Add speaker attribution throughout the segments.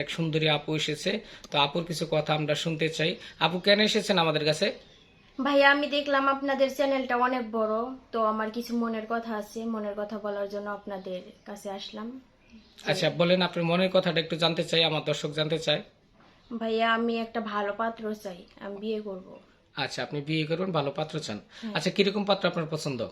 Speaker 1: সুন্দরী আপু এসেছে। তো আপুর কিছু কথা আমরা শুনতে চাই। আপু কেন এসেছেন আমাদের কাছে?
Speaker 2: ভাইয়া, আমি দেখলাম আপনাদের চ্যানেলটা অনেক বড়। তো আমার কিছু মনের কথা আছে, মনের কথা বলার জন্য আপনাদের কাছে আসলাম।
Speaker 1: আচ্ছা বলেন, আপনার মনের কথাটা একটু জানতে চাই, আমার দর্শক জানতে চায়।
Speaker 2: ভাইয়া, আমি একটা ভালো পাত্র চাই, আমি বিয়ে করব।
Speaker 1: আচ্ছা, আপনি বিয়ে করবেন, ভালো পাত্র চান।
Speaker 2: হ্যাঁ,
Speaker 1: আচ্ছা, কিরকম পাত্র আপনার পছন্দ?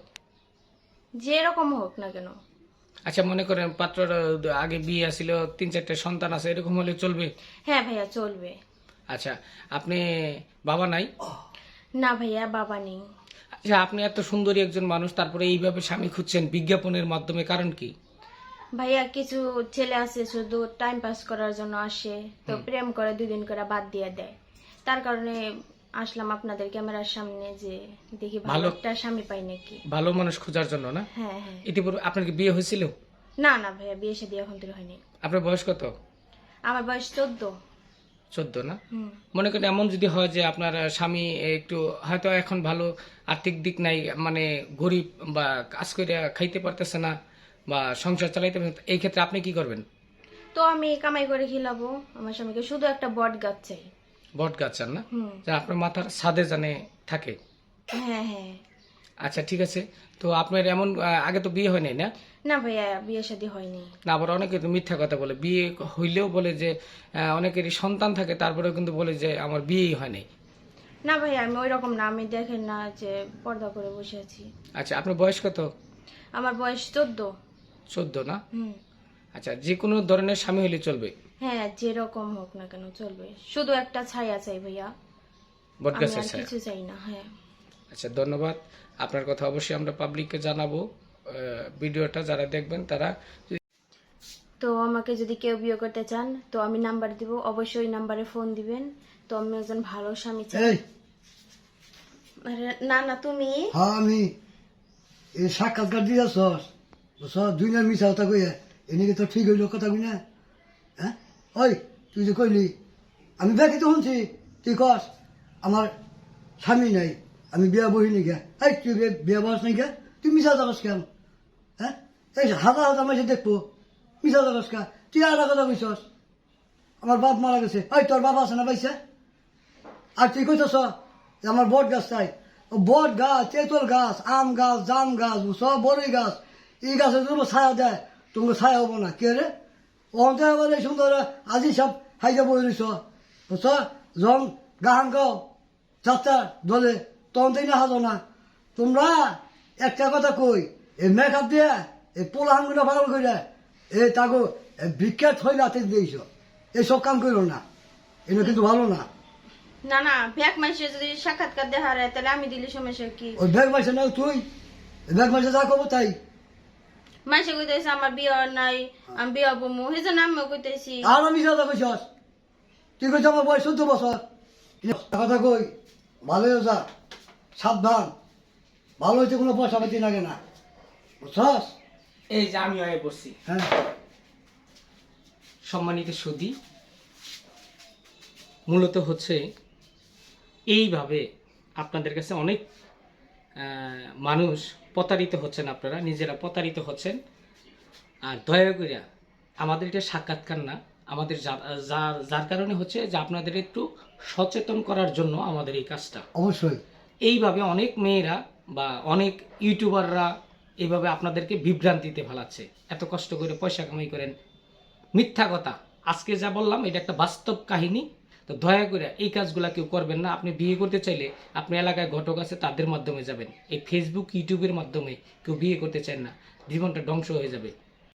Speaker 2: যেরকম হোক না কেন।
Speaker 1: আচ্ছা, মনে করেন পাত্রর আগে বিয়ে ছিল, 3-4টে সন্তান আছে, এরকম হলে চলবে?
Speaker 2: হ্যাঁ ভাইয়া, চলবে।
Speaker 1: আচ্ছা, আপনি বাবা নাই?
Speaker 2: না ভাইয়া, বাবা নেই।
Speaker 1: আচ্ছা, আপনি এত সুন্দরী একজন মানুষ, তারপরে এইভাবে স্বামী খুঁজছেন বিজ্ঞাপনের মাধ্যমে, কারণ কি?
Speaker 2: ভাইয়া, কিছু ছেলে আছে শুধু টাইম পাস করার জন্য আসে, তো প্রেম করে 2 দিন করে বাদ দিয়ে দেয়। তার কারণে আসলাম আপনাদের ক্যামেরার সামনে, যে দেখি ভালো
Speaker 1: ভালো
Speaker 2: একটা স্বামী পাই নাকি।
Speaker 1: ভালো মানুষ খোঁজার জন্য না?
Speaker 2: হ্যাঁ হ্যাঁ।
Speaker 1: ইতিপূর্বে আপনার কি বিয়ে হয়েছিল?
Speaker 2: না না ভাইয়া, বিয়ে শাদী এখন থেকে হয়নি।
Speaker 1: আপনার বয়স কত?
Speaker 2: আমার বয়স 14।
Speaker 1: 14 না?
Speaker 2: হুম।
Speaker 1: মনে করেন এমন যদি হয় যে আপনার স্বামী একটু হয়তো এখন ভালো আর্থিক দিক নাই, মানে গরিব, বা কাজ করে খাইতে পারতেছে না, বা সংসার চালাইতে পারতেছে না, এই ক্ষেত্রে আপনি কি করবেন?
Speaker 2: তো আমি কামাই করে খিলাবো আমার স্বামীকে, শুধু একটা বট গাছ চাই।
Speaker 1: বট গাছ চান না?
Speaker 2: হুম।
Speaker 1: যা আপনার মাথার ছাদে জানে থাকে।
Speaker 2: হ্যাঁ হ্যাঁ।
Speaker 1: আচ্ছা ঠিক আছে। তো আপনার এমন আগে তো বিয়ে হয় নাই না?
Speaker 2: না ভাইয়া, বিয়ে শাদী হয়নি।
Speaker 1: না, আবার অনেকে তো মিথ্যা কথা বলে, বিয়ে হইলেও বলে যে অনেকেরই সন্তান থাকে, তারপরেও কিন্তু বলে যে আমার বিয়েই হয় নাই।
Speaker 2: না ভাইয়া, আমি ওই রকম না, আমি দেখেন না যে পর্দা করে বসে আছি।
Speaker 1: আচ্ছা, আপনার বয়স কত?
Speaker 2: আমার বয়স 14।
Speaker 1: 14 না?
Speaker 2: হুম।
Speaker 1: আচ্ছা, যে কোনো ধরনের স্বামী হলে চলবে?
Speaker 2: হ্যাঁ, যেরকম হোক না কেন চলবে, শুধু একটা ছায়া চাই ভাইয়া।
Speaker 1: বট
Speaker 2: আমি
Speaker 1: গাছের
Speaker 2: আর
Speaker 1: ছায়া?
Speaker 2: কিছু চাই না। হ্যাঁ।
Speaker 1: আচ্ছা, ধন্যবাদ। আপনার কথা অবশ্যই আমরা পাবলিককে জানাবো। ভিডিওটা যারা দেখবেন তারা
Speaker 2: তো আমাকে যদি কেউ বিয়ে করতে চান, তো আমি নাম্বার দিব, অবশ্যই ওই নাম্বারে ফোন দিবেন। তো আমি একজন ভালো স্বামী চাই।
Speaker 3: এই
Speaker 2: আরে, না না, তুমি।
Speaker 3: হ্যাঁ আমি এই সাক্ষাৎকার দিয়েছ বুঝছ, দুইনার মিশা কথা কইয়া এনেকে তো ঠিক হইল কথা কই না। হ্যাঁ ওই তুই যে কইলি আমি ব্যাগে তো শুনছি তুই কস আমার স্বামী নাই, আমি বিয়া বহিনি গে। এই তুই বিয়া বস নাই গে, তুই মিশা যাবস কেন? হ্যাঁ এই হাজার হাজার মাসে দেখবো মিশা যাবস কা, তুই আর কথা কইছস আমার বাপ মারা গেছে। ওই তোর বাবা আছে না পাইছে? আর তুই কইতেছ যে আমার বট গাছ চাই। ও বট গাছ, তেঁতুল গাছ, আম গাছ, জাম গাছ, সব বড়ই গাছ, এই গাছে যদি ছায়া দেয় তোমাকে ছায়া হবো না কে রে? ওতে আবার এই সুন্দর আজি সব হাইজা বই রইছ বুঝছ, যখন গান গাও যাত্রা দলে তখন তাই না হাজো না। তোমরা একটা কথা কই, এই মেকআপ দিয়ে এই পোলা হাঙ্গুলা পাগল করে এই তাগো বিখ্যাত হইলে হাতে দিয়েছ, এইসব কাম করো না, এটা কিন্তু ভালো না।
Speaker 2: না না, ভ্যাক মাসে যদি সাক্ষাৎকার দেখা হয় তাহলে আমি দিলে সমস্যা কি?
Speaker 3: ওই ব্যাগ মাসে না তুই, ব্যাগ মাসে যা করবো তাই।
Speaker 2: মাসে কইতেছে আমার বিয়ে নাই, আমি বিয়ে হবো, সেই জন্য আমিও কইতেছি।
Speaker 3: আর আমি যা কইছস, তুই কইছ আমার বয়স 14 বছর। কথা কই ভালো যা, সাবধান, ভালো হইতে কোনো পয়সা পাতি লাগে না বুঝছস।
Speaker 1: এই যে আমি হয়ে বসছি।
Speaker 3: হ্যাঁ
Speaker 1: সম্মানিত সুধী, মূলত হচ্ছে এইভাবে আপনাদের কাছে অনেক মানুষ প্রতারিত হচ্ছেন, আপনারা নিজেরা প্রতারিত হচ্ছেন। আর দয়া করে আমাদের এটা সাক্ষাৎকার না, আমাদের যার কারণে হচ্ছে যে আপনাদের একটু সচেতন করার জন্য আমাদের এই কাজটা।
Speaker 3: অবশ্যই
Speaker 1: এইভাবে অনেক মেয়েরা বা অনেক ইউটিউবাররা এইভাবে আপনাদেরকে বিভ্রান্তিতে ফেলাচ্ছে, এত কষ্ট করে পয়সা কামাই করেন, মিথ্যা কথা। আজকে যা বললাম এটা একটা বাস্তব কাহিনী। তো দয়া করে এই কাজগুলা কেউ করবেন না। আপনি বিয়ে করতে চাইলে আপনি এলাকায় ঘটক আছে তাদের মাধ্যমে যাবেন, এই ফেসবুক ইউটিউবের মাধ্যমে কেউ বিয়ে করতে চান না, জীবনটা ধ্বংস হয়ে যাবে।